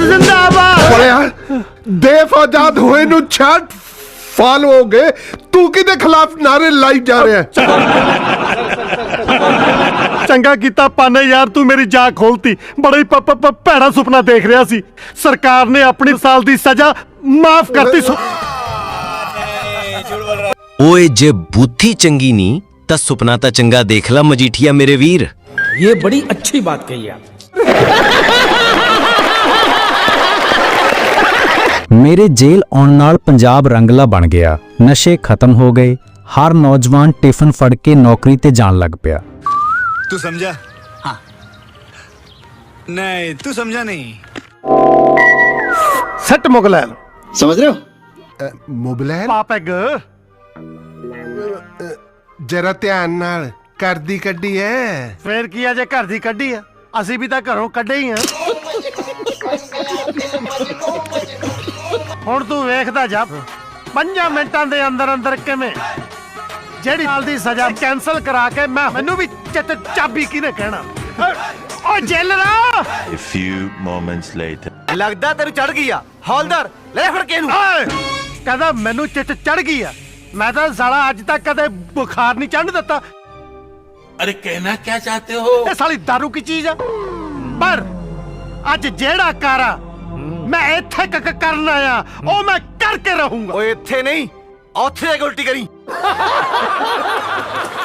जिंदाबाद देश आजाद हुए नु 66 साल हो गए, तू किदे खिलाफ नारे लाई जा रहा है? चंगा कीता पाने यार, तू मेरी जाग खोलती। बड़ा ही भैड़ा सुपना देख रहा सी। सरकार ने अपनी साल दी सजा माफ करती। ओए जे बुद्धि चंगी नी ता सुपना ता चंगा देख ला मजीठिया मेरे वीर। ये बड़ी अच्छी बात कही आप। मेरे जेल आउण नाल पंजाब रंगला बन गया, नशे खत्म हो गए, हर नौजवान टिफिन फड़ के नौकरी ते जान लग पिया। तू समझा? हाँ। नहीं तू समझा नहीं। सट मुगलैन समझ रहे हो? मुबलैन पापैग जरा ध्यान नाल कर दी कड्डी है। फिर की अजे घर दी कड्डी है, असी भी तां घरों कड्डे ही हैं। हुण तू वेखदा जा 5 मिनटां दे अंदर अंदर किवें जेड़ी साल दी सजा कैंसल करा के मैनू भी चाबी किने कहना। ओ जेलरा A few moments later. लगदा तेरे चढ़ गई आ। हौलदार ले फड़ के नू। कहदा मैनू चिट चढ़ गई आ। मैं तो साला अज तक कदे बुखार नहीं चढ़ दिता। अरे कहना क्या चाहते हो? ये साली दारू की चीज है। पर अज जेड़ा कारा मैं इत्थे करन आया ओ मैं करके रहूंगा। ओए इत्थे नहीं, औथे उल्टी करी।